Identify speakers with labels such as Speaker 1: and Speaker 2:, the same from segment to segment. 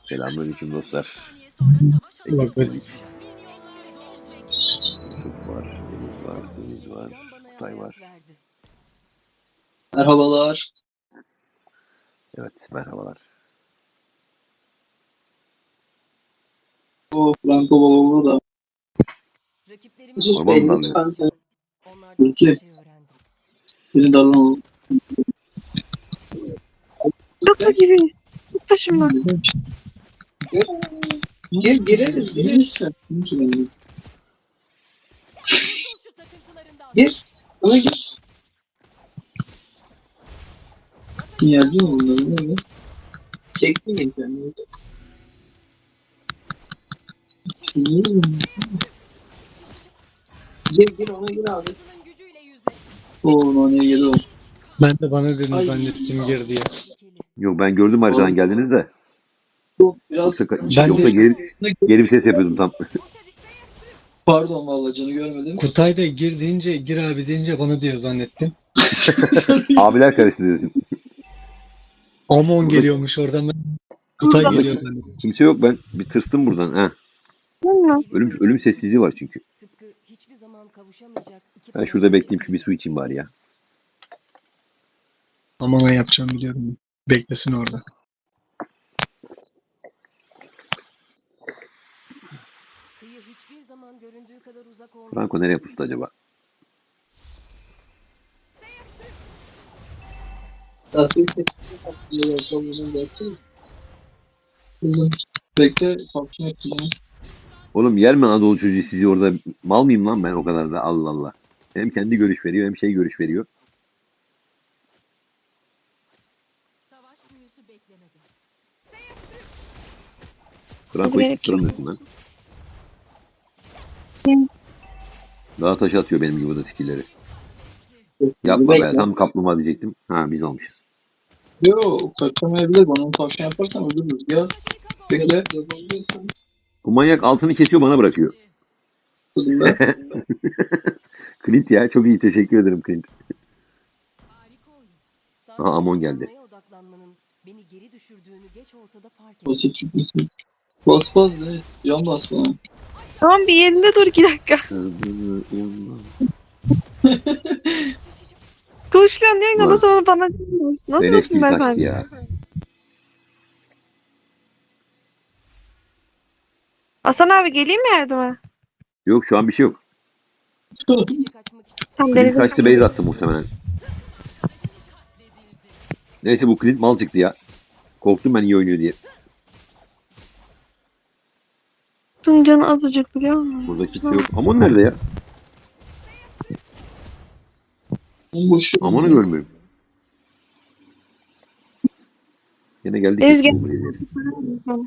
Speaker 1: Selamünaleyküm dostlar.
Speaker 2: Evet,
Speaker 1: Ekip
Speaker 2: evet.
Speaker 1: geldik. Yusuf var, Deniz var, Kutay var.
Speaker 3: Merhabalar.
Speaker 1: Evet, merhabalar.
Speaker 3: O Franco Baba da. Yusuf
Speaker 1: Orman
Speaker 3: Bey
Speaker 1: mı dalıyor?
Speaker 3: lütfen. Peki. Beni darlamayalım.
Speaker 4: Doktor gibi. Git başımdan.
Speaker 3: Gireriz. Gir. Ama gir. Yerci mi bunları? Ne? Çekti mi kendini? Gir ona gir abi. Oo nane yedi o.
Speaker 2: Ben de bana dedin
Speaker 3: Ay.
Speaker 2: zannettim gir diye.
Speaker 1: Yok ben gördüm haritadan geldiniz de.
Speaker 3: Bu biraz
Speaker 1: Yoksa geri bir ses yapıyordum tam.
Speaker 3: pardon vallahi canı görmedim.
Speaker 2: Kutay da gir deyince, gir abi deyince bana diyor zannettim.
Speaker 1: Abiler karıştı diyorsun.
Speaker 2: Amon geliyormuş oradan ben. Kutay
Speaker 4: Burada.
Speaker 2: geliyor zannettim.
Speaker 1: Kimse yok, ben bir tırstım buradan. Ha. Ölüm sessizliği var çünkü. Ben şurada bekleyeyim, şu bir su içeyim bari ya.
Speaker 2: Amon'a yapacağım biliyorum. Beklesin orada.
Speaker 1: Franco nereye pustu acaba?
Speaker 3: Bekle. Kalkın ettim.
Speaker 1: Oğlum yer mi Anadolu çocuğu sizi orada? Mal mıyım lan ben o kadar da, Allah Allah. Hem kendi görüş veriyor hem şey görüş veriyor. Franco'yu tutturamıyorsun lan. Daha taş atıyor benim gibi de skillleri. Yapma be, tam kaplumbağa diyecektim. Ha, biz almışız.
Speaker 3: Yo kaçamayabilir. Bana onu tavşan yaparsan öldürürüz. Gel. Bekle. Yapabiliyorsun.
Speaker 1: Bu manyak altını kesiyor, bana bırakıyor.
Speaker 3: Kızım ben.
Speaker 1: Clint ya, çok iyi, teşekkür ederim Clint. Aha, Amon geldi.
Speaker 3: Basit çıkmışsın. Bas bas ne? Yan bas bana.
Speaker 4: Tamam bir yerinde dur 2 dakika. Konuşuyorum diyorsun
Speaker 1: Ulan.
Speaker 4: ama sonra bana dinliyorsun. Nasıl
Speaker 1: Beleş
Speaker 4: olsun
Speaker 1: bir taktı
Speaker 4: beyefendi?
Speaker 1: ya.
Speaker 4: Hasan abi geleyim mi yardıma?
Speaker 1: Yok, şu an bir şey yok.
Speaker 4: Sen
Speaker 1: Clint
Speaker 4: denize
Speaker 1: kaçtı, base attı muhtemelen. Neyse, bu Clint mal çıktı ya. Korktum ben iyi oynuyor diye.
Speaker 4: Bunun canı azıcık biliyor musun?
Speaker 1: Burada kimse yok. Amon nerede ya?
Speaker 3: Boş.
Speaker 1: Amon'u görmüyorum. Yine geldik.
Speaker 4: Ezgi. Seni.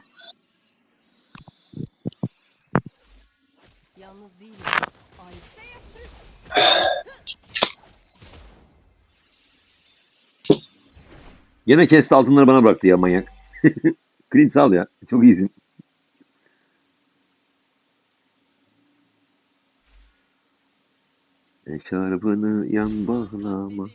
Speaker 1: Yine kesti, altınları bana bıraktı ya manyak. Clint sağ ol ya. Çok iyisin. Eşarbını yan bağlama.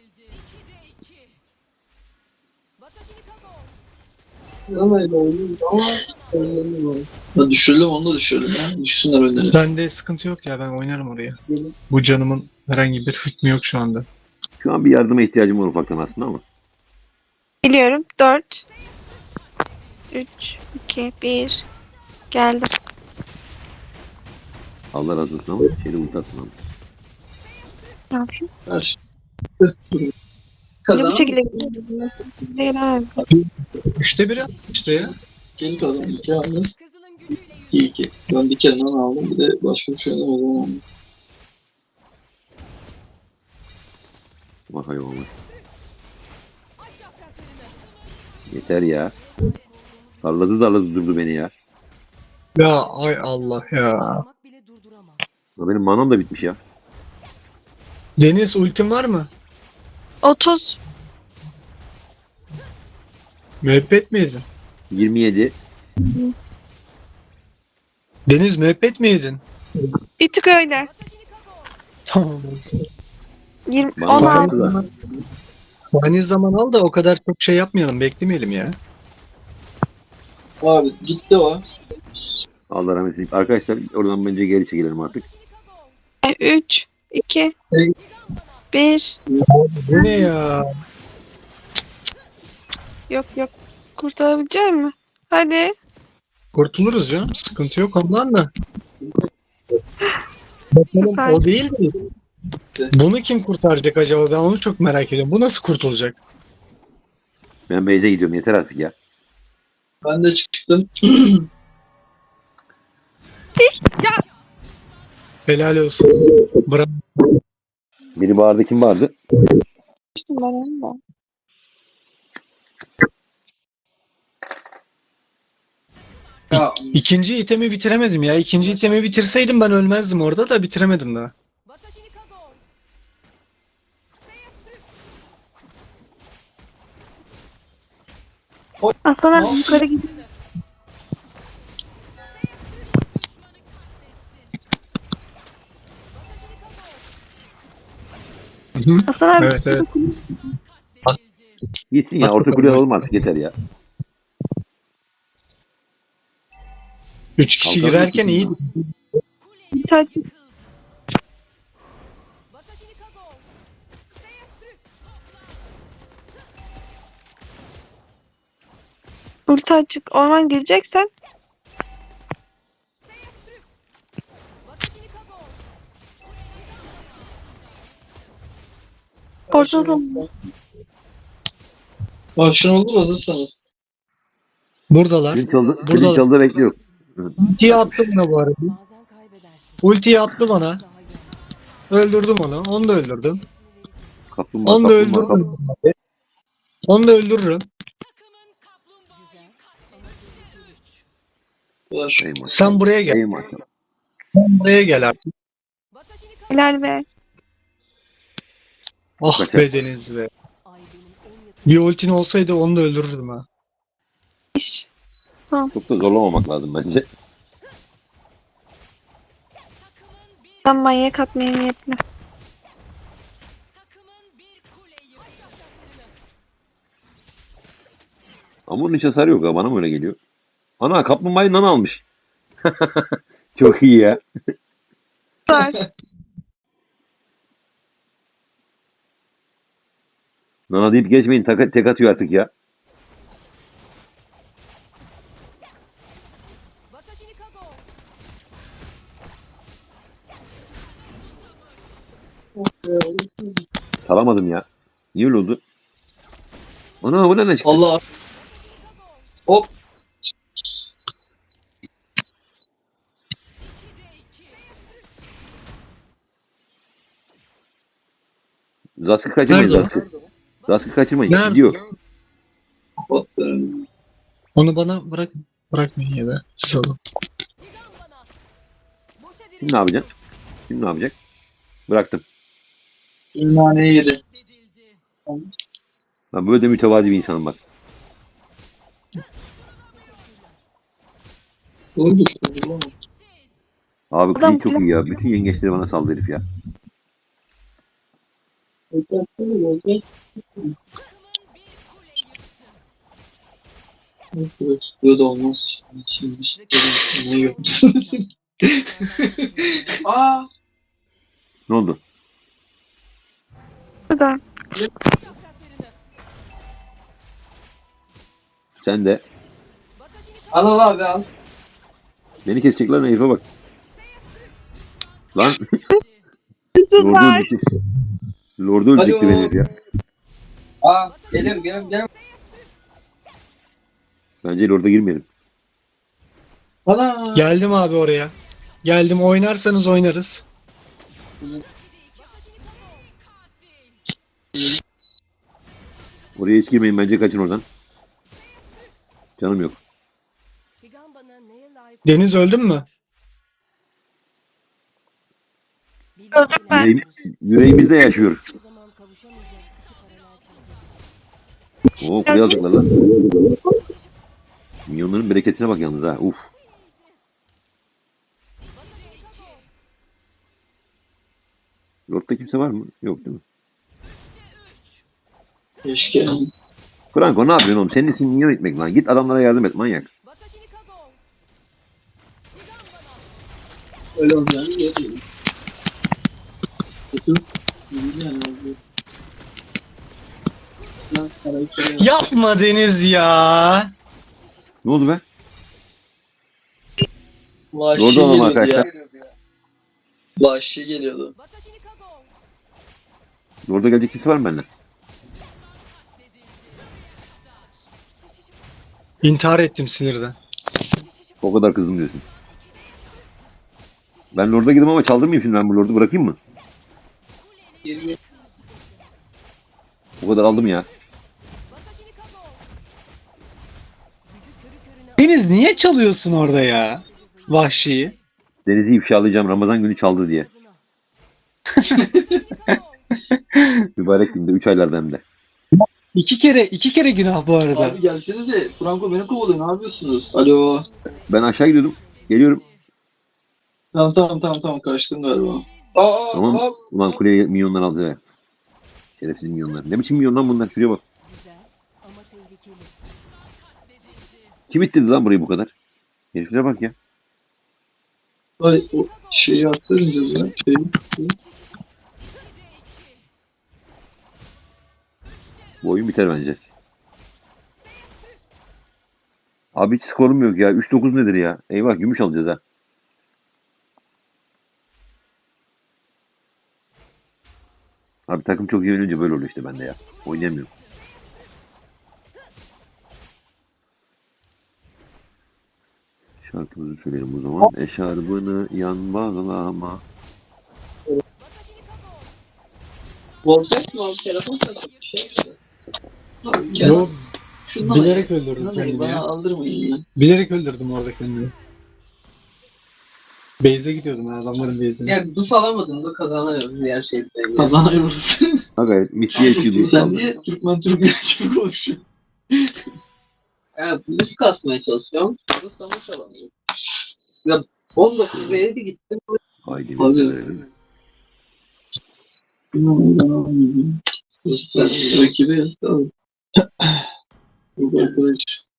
Speaker 3: Ya düşürelim onu da düşürelim ya. Düşsünler önlerine.
Speaker 2: Bende sıkıntı yok ya, ben oynarım oraya. Bu canımın herhangi bir hükmü yok şu anda.
Speaker 1: Şu an bir yardıma ihtiyacım var ufaktan aslında ama.
Speaker 4: Biliyorum. 4 3 2 1 Geldim.
Speaker 1: Allah razı olsun ama şeyde ultasın ama.
Speaker 4: Ne yapayım?
Speaker 3: Ver.
Speaker 4: Ne
Speaker 3: Kazan.
Speaker 4: bu şekilde gidiyorum? Gelemez.
Speaker 2: 3'te 1 işte ya.
Speaker 3: Gel kazan. 2 aldım. 2. Ben bir kenardan aldım. Bir de başka bir şeyden aldım.
Speaker 1: Bak hayvan. Yeter ya. Darladı durdu beni ya.
Speaker 2: Ya ay Allah ya.
Speaker 1: Ya benim manam da bitmiş ya.
Speaker 2: Deniz ultin var mı?
Speaker 4: 30
Speaker 2: Müebbet mi yedin?
Speaker 1: 27.
Speaker 2: Deniz müebbet mi yedin?
Speaker 4: Bir tık öyle.
Speaker 2: Tamam olsun.
Speaker 4: 20
Speaker 1: Bana
Speaker 4: 16
Speaker 1: bıraktı da.
Speaker 2: Fani zaman al da o kadar çok şey yapmayalım, beklemeyelim ya.
Speaker 3: Abi gitti o.
Speaker 1: Allah rahmet eylesin. Arkadaşlar oradan bence geri çekilelim artık.
Speaker 4: 3, 2,
Speaker 3: Evet.
Speaker 4: 1.
Speaker 2: Bu ne ya?
Speaker 4: Yok yok. Kurtarabilecek mi? Hadi.
Speaker 2: Kurtuluruz canım. Sıkıntı yok ondan da. Bakalım
Speaker 4: Süper.
Speaker 2: o değil mi? Bunu kim kurtaracak acaba? Ben onu çok merak ediyorum. Bu nasıl kurtulacak?
Speaker 1: Ben Beyze gidiyorum. Yeter artık ya.
Speaker 3: Ben de çıktım.
Speaker 2: Helal olsun. Bravo.
Speaker 1: Biri bağırdı. Kim bağırdı?
Speaker 4: İşte ben onu da.
Speaker 3: Ya,
Speaker 2: İkinci itemi bitiremedim ya. İkinci itemi bitirseydim ben ölmezdim orada da bitiremedim daha.
Speaker 4: Hasan
Speaker 3: Ne
Speaker 4: abi yukarı gidin. Hasan abi.
Speaker 2: Evet evet.
Speaker 1: Gitsin ya. Orta kule alalım artık. Yeter ya.
Speaker 2: 3 kişi
Speaker 1: Kalkan
Speaker 2: girerken
Speaker 1: mı
Speaker 2: iyi.
Speaker 4: Bir tane ulti açık. Orman gireceksen ortada mı?
Speaker 3: Başın olur hazırsanız.
Speaker 2: Buradalar.
Speaker 1: Zil çaldı.
Speaker 2: Burada-
Speaker 1: Zil çaldı bekliyor.
Speaker 2: Ultiyi attı bana bu arada. Ultiyi attı bana. Öldürdüm onu. Onu da öldürdüm.
Speaker 1: Kaplumbağa.
Speaker 2: Onu da
Speaker 1: Kaplumbağa.
Speaker 2: öldürdüm. Onu da öldürürüm.
Speaker 3: Var.
Speaker 1: Ey maşallah.
Speaker 2: Sen buraya gel.
Speaker 1: Ey maşallah.
Speaker 2: Sen buraya gel artık.
Speaker 4: Helal be.
Speaker 2: Ah
Speaker 1: Kaçar.
Speaker 2: be Deniz be. Bir ultin olsaydı onu da öldürürdüm ha.
Speaker 4: İş.
Speaker 1: Çok da zorlamamak lazım bence.
Speaker 4: Sen manyak atmaya niyetli.
Speaker 1: Ama bunun hiç hasarı yok ya. Bana mı öyle geliyor? Ana kaplumbağayı nana almış. Çok iyi ya.
Speaker 4: Süper.
Speaker 1: Nana deyip geçmeyin. Tek atıyor artık ya. Salamadım ya. Niye öyle oldu? Ana bu ne çıktı?
Speaker 3: Allah. Hop.
Speaker 1: Zaskı kaçırmayın
Speaker 2: Nerede o?
Speaker 1: Zaskı. Zaskı kaçırmayın.
Speaker 2: Nerede?
Speaker 1: Gidiyor.
Speaker 3: Kapattım.
Speaker 2: Onu bana bırak. Bırakmayın ya da. Siz alın.
Speaker 1: Şimdi ne yapacaksın? Şimdi ne yapacak? Bıraktım.
Speaker 3: Naneyi yedi.
Speaker 1: Ben böyle de mütevazi bir insanım bak.
Speaker 3: Bunu düştü. Bunu.
Speaker 1: Abi
Speaker 4: Adam
Speaker 1: Klin çok iyi ya. Bütün yengeçleri bana saldı herif ya.
Speaker 3: Böyle de olmaz. Şimdi ne yapıyorsun? Aa.
Speaker 1: Ne oldu?
Speaker 4: Burada.
Speaker 1: Sen de.
Speaker 3: Al abi al.
Speaker 1: Beni kesecekler herife bak. Lan. Lord'u
Speaker 4: Süper.
Speaker 1: öldürdü. Lord'u öldürdü
Speaker 3: Alo.
Speaker 1: beni herif ya.
Speaker 3: Aa. Gelirim.
Speaker 1: Bence Lord'a girmeyelim.
Speaker 3: Ana.
Speaker 2: Geldim abi oraya. Geldim. Oynarsanız oynarız.
Speaker 1: Oraya hiç girmeyin. Bence kaçın oradan. Canım yok.
Speaker 2: Deniz öldün mü?
Speaker 4: Öldüm ben.
Speaker 1: Yüreğimizde yaşıyor. Oo kule alacaklar lan. Milyonların bereketine bak yalnız ha. Uf. Lord'da kimse var mı? Yok değil mi?
Speaker 3: Keşke.
Speaker 1: Franco ne yapıyorsun oğlum? Senin için minyon etmek lan. Git adamlara yardım et manyak.
Speaker 3: Öyle olacağını görüyorum. Kötü. Yani oldu. Lan karakter.
Speaker 2: Yapma Deniz ya.
Speaker 1: Ne oldu be?
Speaker 3: Vahşi
Speaker 1: Doğru olalım
Speaker 3: geliyordu ya.
Speaker 1: arkadaşlar.
Speaker 3: Vahşi geliyordu.
Speaker 1: Orada gelecek kimse var mı benden?
Speaker 2: İntihar ettim sinirden.
Speaker 1: O kadar kızdım diyorsun. Ben Lord'a gidim ama çaldırmayayım şimdi, ben bu Lord'u bırakayım mı?
Speaker 3: Geri
Speaker 1: O kadar aldım ya.
Speaker 2: Deniz niye çalıyorsun orada ya? Vahşiyi.
Speaker 1: Deniz'i ifşalayacağım, Ramazan günü çaldı diye. Mübarek günde 3 aylarda hem de.
Speaker 2: İki kere günah bu arada.
Speaker 3: Abi gelsenize. Franco beni kovalıyor. Ne yapıyorsunuz? Alo.
Speaker 1: Ben aşağı gidiyordum. Geliyorum.
Speaker 3: Tamam. Kaçtım galiba. Aa,
Speaker 1: Tamam.
Speaker 3: aa.
Speaker 1: Ulan kuleye milyonlar aldı ya. Şerefsiz milyonlar. Ne biçim milyon lan bunlar? Şuraya bak. Kim ittirdi lan burayı bu kadar? Heriflere bak ya.
Speaker 3: Ay o şeyi attırınca ya.
Speaker 1: Bu oyun biter bence. Abi hiç skorum yok ya. 3-9 nedir ya? Eyvah, gümüş alacağız ha. Abi takım çok iyi oynayınca böyle oluyor işte bende ya. Oynayamıyorum. Şarkımızı söyleyelim o zaman. Eşarbını yan bağlama.
Speaker 3: Voltek mi abi? Telefon takıp bir şey mi? Abi gel.
Speaker 2: Yok,
Speaker 3: Şundan
Speaker 2: bilerek öldürdüm
Speaker 3: Şundan
Speaker 2: kendimi
Speaker 3: bana
Speaker 2: ya.
Speaker 3: aldırmayın ya.
Speaker 2: Bilerek öldürdüm orada kendimi. Base'e gidiyordum ya, adamların base'ine.
Speaker 5: Ya bu salamadın da kazanıyoruz diğer şeyden.
Speaker 3: Kazanıyoruz.
Speaker 1: Aga misliye içiyordum.
Speaker 3: Sen niye Türkmen gibi konuşuyorsun?
Speaker 5: Ya biz kasmaya çalışıyorum. Bu sana salamıyor. Ya 19 7 gittim.
Speaker 1: Haydi
Speaker 3: Abi.
Speaker 1: verelim.
Speaker 3: Ben rakibe yazdım. Bu arkadaş.